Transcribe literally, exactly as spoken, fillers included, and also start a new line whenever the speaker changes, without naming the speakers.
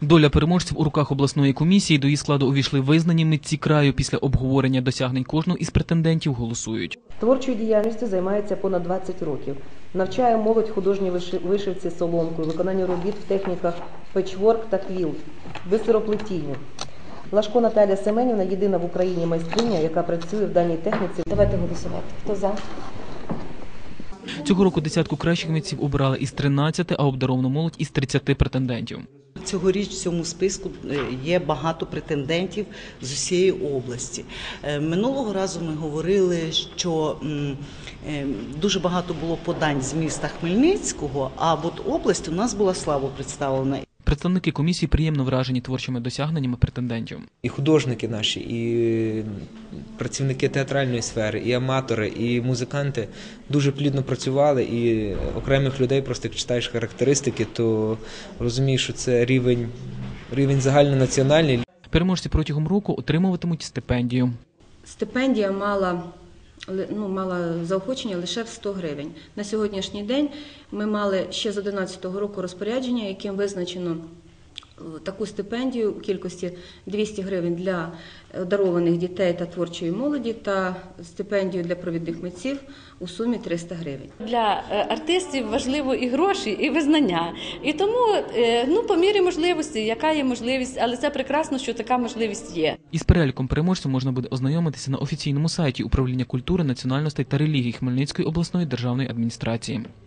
Доля переможців у руках обласної комісії. До її складу увійшли визнані митці краю. Після обговорення досягнень кожного із претендентів голосують.
Творчою діяльністю займається понад двадцять років. Навчає молодь художній вишивці соломкою, виконанню робіт в техніках печворк та квілт, бисероплетінню. Лашко Наталія Семенівна – єдина в Україні майстриня, яка працює в даній техніці. Давайте голосувати. Хто за?
Цього року десятку кращих митців обирали із тринадцяти, а обдаровану молодь із тридцяти претендентів.
Цьогоріч в цьому списку є багато претендентів з усієї області. Минулого разу ми говорили, що дуже багато було подань з міста Хмельницького, а от область у нас була слабо представлена.
Представники комісії приємно вражені творчими досягненнями претендентів.
І художники наші, і працівники театральної сфери, і аматори, і музиканти дуже плідно працювали, і окремих людей, просто як читаєш характеристики, то розумієш, що це рівень, рівень загальнонаціональний.
Переможці протягом року отримуватимуть стипендію.
Стипендія мала Ну, мала заохочення лише в сто гривень. На сьогоднішній день ми мали ще з одинадцятого року розпорядження, яким визначено таку стипендію у кількості двісті гривень для одарованих дітей та творчої молоді та стипендію для провідних митців у сумі триста гривень.
Для артистів важливо і гроші, і визнання. І тому, ну, по мірі можливості, яка є можливість, але це прекрасно, що така можливість є.
Із переліком переможців можна буде ознайомитися на офіційному сайті Управління культури, національностей та релігій Хмельницької обласної державної адміністрації.